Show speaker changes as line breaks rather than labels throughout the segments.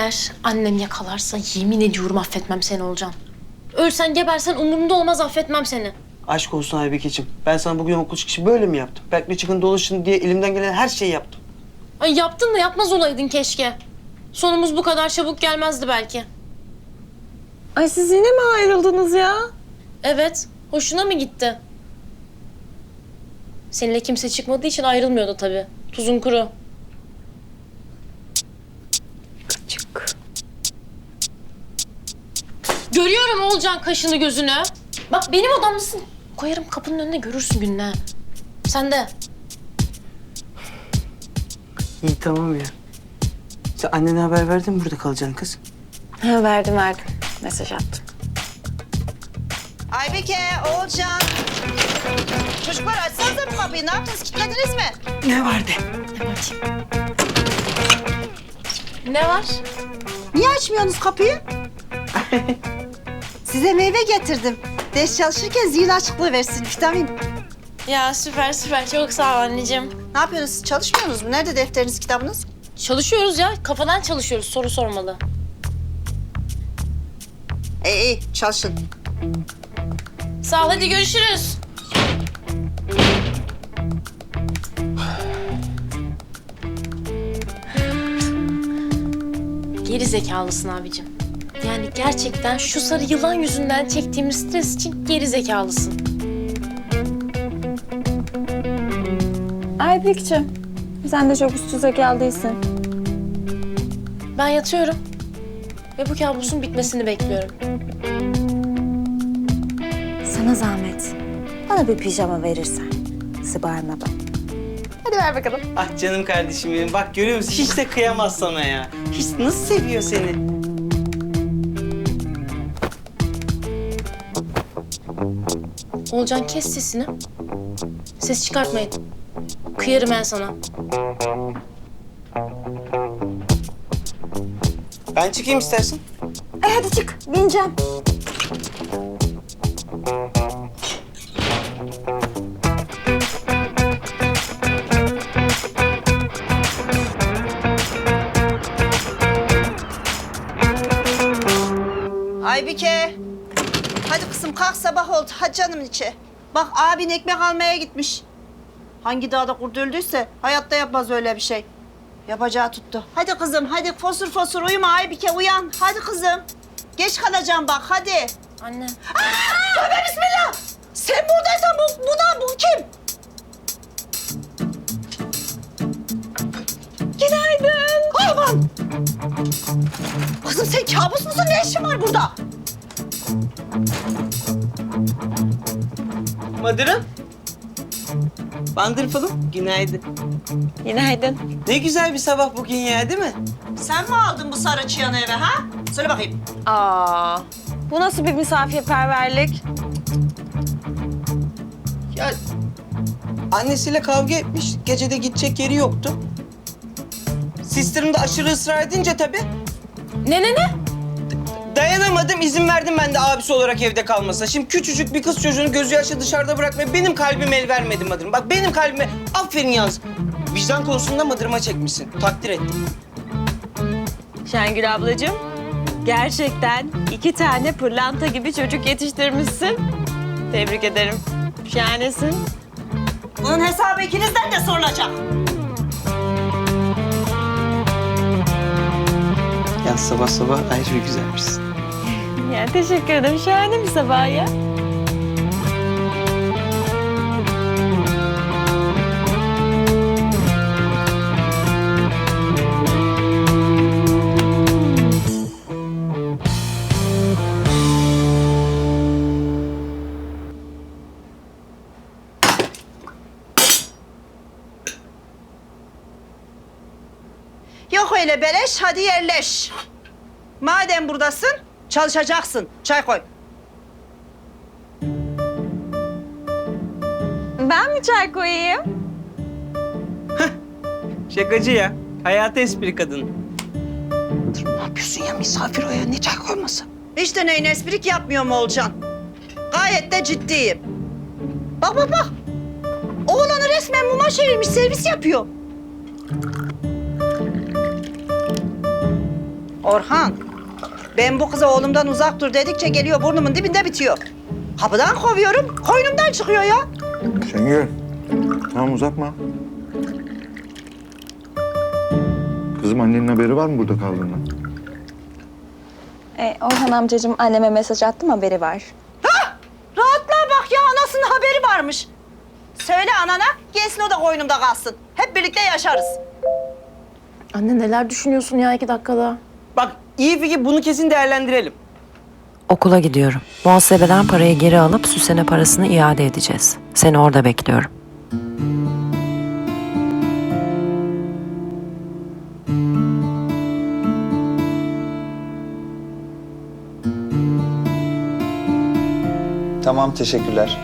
Eğer annem yakalarsa yemin ediyorum affetmem seni Olcan. Ölsen gebersen umurumda olmaz, affetmem seni.
Aşk olsun Aybekeciğim. Ben sana bugün okul çıkışı böyle mi yaptım? Berk'le çıkın dolaşın diye elimden gelen her şeyi yaptım.
Ay yaptın da yapmaz olaydın keşke. Sonumuz bu kadar çabuk gelmezdi belki.
Ay siz yine mi ayrıldınız ya?
Evet, hoşuna mı gitti? Seninle kimse çıkmadığı için ayrılmıyordu tabii. Tuzun kuru.
Çık.
Görüyorum Olcan kaşını gözünü. Bak benim odamdasın. Koyarım kapının önüne, görürsün gününe. Sen de.
İyi tamam ya. Sen annene haber verdin mi burada kalacaksın kız?
Ha, verdim. Mesaj attım.
Aybeke, Oğulcan. Çocuklar açsanıza bu kapıyı. Ne yaptınız? Kilitlediniz mi?
Ne vardı?
Ne var?
Niye açmıyorsunuz kapıyı? Size meyve getirdim. Ders çalışırken zihin açıklığı versin, vitamin.
Ya süper. Çok sağ ol anneciğim.
Ne yapıyorsunuz? Siz çalışmıyorsunuz mu? Nerede defteriniz, kitabınız?
Çalışıyoruz ya. Kafadan çalışıyoruz. Soru sormalı.
İyi, çalışın.
Sağ ol. Hadi görüşürüz. Geri zekalısın abicim. Yani gerçekten şu sarı yılan yüzünden çektiğimiz stres için geri zekalısın.
Aybekciğim, sen de çok üst zekalı değilsin.
Ben yatıyorum. Ve bu kabusun bitmesini bekliyorum.
Sana zahmet. Bana bir pijama verirsen. Sıbarmadan.
Hadi ver bakalım.
Ah canım kardeşim benim. Bak görüyor musun? Hiç de kıyamaz sana ya. Hiç nasıl seviyor seni?
Olcan kes sesini. Ses çıkartmayın. Kıyarım ben sana.
Ben çıkayım istersen.
Hadi çık. Bineceğim.
Aybike. Hadi kızım kalk, sabah oldu. Hadi canımın içi. Bak abin ekmek almaya gitmiş. Hangi dağda kurt öldüyse hayatta yapmaz öyle bir şey. Yapacağı tuttu. Hadi kızım, hadi fosur fosur uyuma Aybike, uyan. Hadi kızım. Geç kalacağım bak, hadi.
Anne.
Tövbe bismillah! Sen buradaysan bu kim? Günaydın. Aman! Kızım sen kabus musun? Ne işin var burada?
Madırım. Bandırpalım. Günaydın.
Günaydın.
Ne güzel bir sabah bugün ya değil mi?
Sen mi aldın bu sarı çıyanı eve ha? Söyle bakayım.
Aa, bu nasıl bir misafirperverlik?
Ya annesiyle kavga etmiş. Gece de gidecek yeri yoktu. Sisterim de aşırı ısrar edince tabii
Ne?
dayanamadım, izin verdim ben de abisi olarak evde kalmasına. Şimdi küçücük bir kız çocuğunu gözü yaşlı dışarıda bırakmaya benim kalbim el vermedi Madırım. Bak benim kalbime aferin yalnız. Vicdan konusunda Madırıma çekmişsin. Takdir ettim.
Şengül ablacığım, gerçekten 2 tane pırlanta gibi çocuk yetiştirmişsin. Tebrik ederim. Şahanesin.
Bunun hesabı ikinizden de sorulacak.
Ya sabah sabah ayrı güzelmişsin.
Ya teşekkür ederim. Şahane bir sabah ya.
Yok öyle beleş, hadi yerleş. Madem buradasın, çalışacaksın. Çay koy.
Ben mi çay koyayım?
Şakacı ya. Hayatı espri kadın. Ne yapıyorsun ya? Misafir o ya. Ne çay koyması?
Hiç de neyin esprik yapmıyorum Olcan. Gayet de ciddiyim. Bak. Oğlanı resmen muma çevirmiş, servis yapıyor. Orhan, ben bu kıza oğlumdan uzak dur dedikçe geliyor burnumun dibinde bitiyor. Kapıdan kovuyorum, koynumdan çıkıyor ya.
Şengül, tamam uzatma. Kızım annenin haberi var mı burada kaldığından?
Orhan amcacığım anneme mesaj attım, haberi var.
Rahatlığa bak ya, anasının haberi varmış. Söyle anana, gelsin o da koynumda kalsın. Hep birlikte yaşarız.
Anne neler düşünüyorsun ya 2 dakikada?
Bak iyi fikir, bunu kesin değerlendirelim.
Okula gidiyorum. Muhasebeden parayı geri alıp Süsen'e parasını iade edeceğiz. Seni orada bekliyorum.
Tamam, teşekkürler.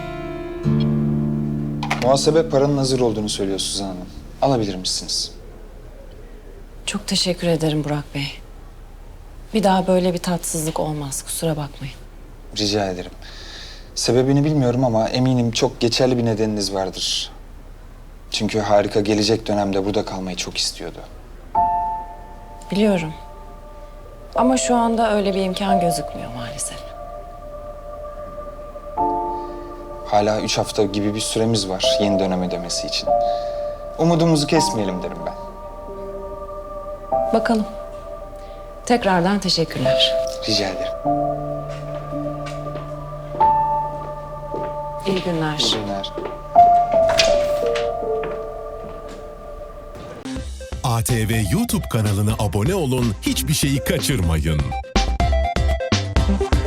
Muhasebe paranın hazır olduğunu söylüyor Suzan Hanım. Alabilir misiniz?
Çok teşekkür ederim Burak Bey. Bir daha böyle bir tatsızlık olmaz. Kusura bakmayın.
Rica ederim. Sebebini bilmiyorum ama eminim çok geçerli bir nedeniniz vardır. Çünkü Harika gelecek dönemde burada kalmayı çok istiyordu.
Biliyorum. Ama şu anda öyle bir imkan gözükmüyor maalesef.
Hala 3 hafta gibi bir süremiz var yeni dönem ödemesi için. Umudumuzu kesmeyelim derim ben.
Bakalım. Tekrardan teşekkürler.
Rica ederim.
İyi günler.
İyi günler.
ATV YouTube kanalına abone olun, hiçbir şeyi kaçırmayın.